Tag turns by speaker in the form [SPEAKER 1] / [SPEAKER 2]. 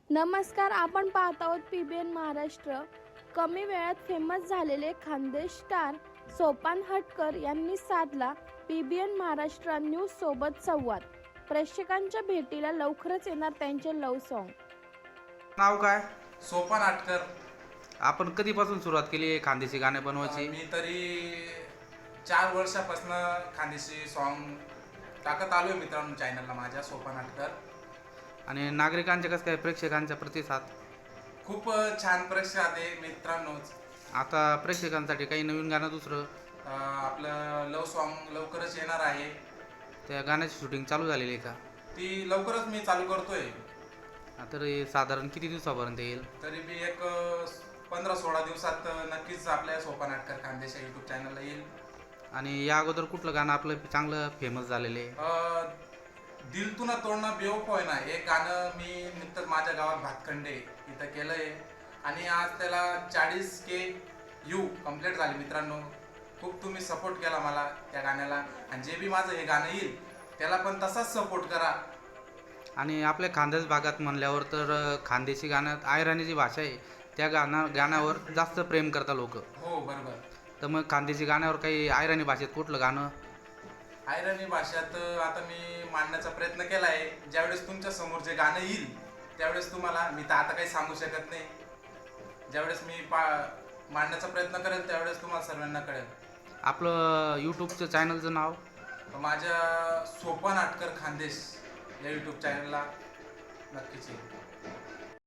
[SPEAKER 1] नमस्कार, आपण पाहत आहोत PBN महाराष्ट्र. कमी वेळात फेमस झालेले खानदेश स्टार सोपान हटकर यांनी साधला PBN महाराष्ट्र न्यूज सोबत संवाद. प्रेक्षकांच्या भेटीला लवकरच येणार त्यांचे लव्ह सॉन्ग.
[SPEAKER 2] नाव काय?
[SPEAKER 3] सोपान हटकर.
[SPEAKER 2] आपण कधीपासून सुरुवात केली आहे खानदेशी गाणे बनवायची?
[SPEAKER 3] मी तरी 4 वर्षापासून खानदेशी सॉन्ग टाकत आलोय मित्रांनो चॅनलला माझ्या सोपान हटकर.
[SPEAKER 2] आणि नागरिकांचे कसं काय प्रेक्षकांचा प्रतिसाद?
[SPEAKER 3] खूप छान प्रतिसाद आहे मित्रांनो.
[SPEAKER 2] आता प्रेक्षकांसाठी काही नवीन गाणं दुसरं
[SPEAKER 3] आपलं लव सॉन्ग लवकरच येणार आहे.
[SPEAKER 2] त्या गाण्याची शूटिंग चालू झालेली आहे का?
[SPEAKER 3] ती लवकरच मी चालू करतोय.
[SPEAKER 2] तर हे साधारण किती दिवसापर्यंत येईल?
[SPEAKER 3] तरी मी एक 15-16 दिवसात नक्कीच आपल्या सोपान हटकर खानदेश यूट्यूब चॅनलला येईल.
[SPEAKER 2] आणि या अगोदर कुठलं गाणं आपलं चांगलं फेमस झालेलं आहे?
[SPEAKER 3] दिल तू ना तोडणं बेवफा ना हे गाणं मी नुकतंच माझ्या गावात भातखंडे इथं केलंय आणि आज त्याला 40K यू कंप्लीट झाले मित्रांनो. खूप तुम्ही सपोर्ट केला मला त्या गाण्याला आणि जे बी माझं हे गाणं येईल त्याला पण तसाच सपोर्ट करा.
[SPEAKER 2] आणि आपल्या खानदेश भागात म्हणल्यावर तर खानदेशी गाण्यात आयराणी जी भाषा आहे त्या गाण्यावर जास्त प्रेम करतात लोक.
[SPEAKER 3] हो बरोबर.
[SPEAKER 2] तर मग खानदेशी गाण्यावर काही आयराणी भाषेत कुठलं गाणं?
[SPEAKER 3] आयराणी भाषेत आता मी मांडण्याचा प्रयत्न केला आहे. ज्यावेळेस तुमच्या समोर जे गाणं येईल त्यावेळेस तुम्हाला मी तर आता काही सांगू शकत नाही. ज्यावेळेस मी मांडण्याचा प्रयत्न करेल त्यावेळेस तुम्हाला सर्वांना कळेल.
[SPEAKER 2] आपलं यूट्यूबचं चॅनलचं नाव?
[SPEAKER 3] माझ्या सोपान हटकर खानदेश या यूट्यूब चॅनलला नक्कीच येईल.